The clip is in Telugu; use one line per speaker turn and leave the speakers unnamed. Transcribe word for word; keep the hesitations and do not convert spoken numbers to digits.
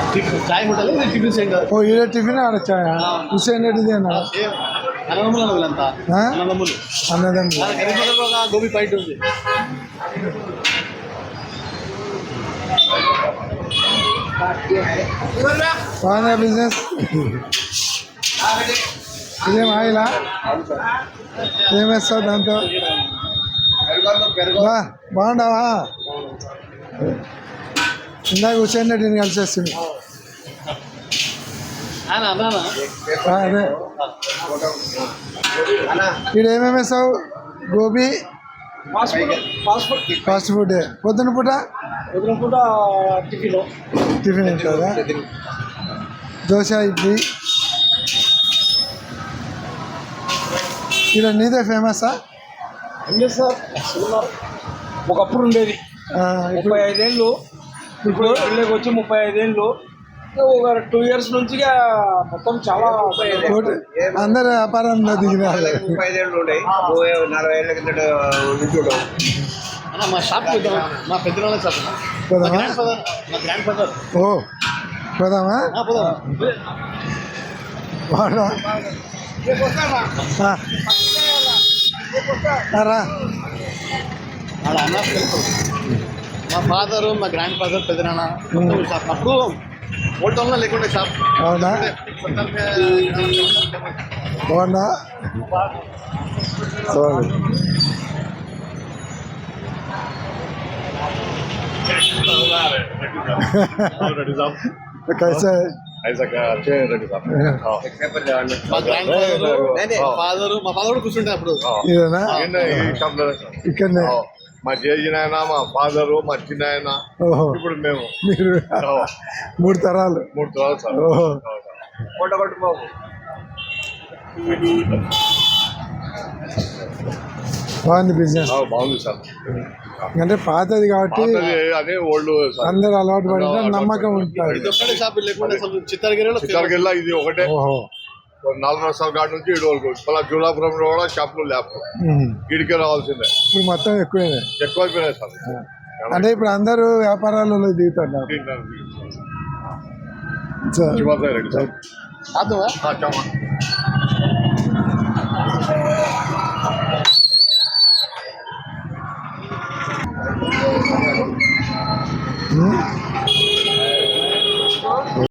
చాయ్ హోటల్ టిఫిన్ సెంటర్.
ఓ ఈడ టిఫిన్ ఆడ చాయ్ హుసేన్ రెడ్డిదేనా?
అన్నదమ్ములు వీళ్ళంతా అన్నదమ్ములు.
అన్నదమ్ములు
గరీబ్ ఒక గోబీ పాయింట్ ఉంది.
బాగుందా బిజినెస్? ఇదేం ఆయిలా? ఏం వేస్తావు దాంతో? బా బాగుండవా? ఇందాక హుసేన్ రెడ్డిని కలిసేస్తుంది. అదే ఇక్కడ ఏమేమి వేస్తావు? Gobi fast food. పొద్దున పూట
పొద్దున పూట టిఫిన్
టిఫిన్ ఉంటుందా? దోశ ఇడ్లీ. ఇక్కడ నీదే ఫేమసా?
సార్ ఒకప్పుడు ఉండేది ముప్పై ఐదేళ్ళు, ఇప్పుడు ఇళ్ళకి వచ్చి ముప్పై ఐదేళ్ళు, ఒక టూ ఇయర్స్ నుంచి మొత్తం చాలా
అందరు వ్యాపారంలో దిగినారు.
ముప్పై ఐదేళ్ళు ఉన్నాయి, నలభై ఏళ్ళ కిందట
మా షాప్ మా పెద్ద షాప్.
ఓ పోదామా? బాగా రా.
మా ఫాదరు మా గ్రాండ్ ఫాదర్ పెద్దనాన్న షాప్ అప్పుడు ఓల్డ్ టౌన్లో లేకుండే షాప్.
అవునా? బాగున్నా कैसे
మా గ్రాండ్ ఫాదర్ ఫాదరు మా ఫాదర్ కూడా కూర్చుంటే అప్పుడు
ఇదేనా? ఇక్కడనే
మా జేజీ నాయన, మా ఫాదరు, మా చిన్న ఆయన,
ఓహో
ఇప్పుడు మేము
మీరు మూడు తరాలు.
మూడు తరాలు సార్.
ఓహో బాగుంది బిజినెస్.
బాగుంది సార్.
అంటే పాతది కాబట్టి
అదే ఓల్డ్
అందరు అలవాటు పడిన నమ్మకం ఉంటుంది.
ఇది ఒక్కటే షాప్ లేకుండా చిత్తగిరిలో
చిత్తగిరిలో ఇది ఒకటే.
ఓహో
నాలుగు రసాల కాడ నుంచి ఇటు వరకు మళ్ళీ జూలాపురంలో కూడా షాపులు లేపు ఇడికే రావాల్సిందే.
ఇప్పుడు మొత్తం ఎక్కువే
ఎక్కువైపోయినాయి సార్.
అంటే ఇప్పుడు అందరూ వ్యాపారాలలో దిగుతున్నారు.
రెడ్డి సార్.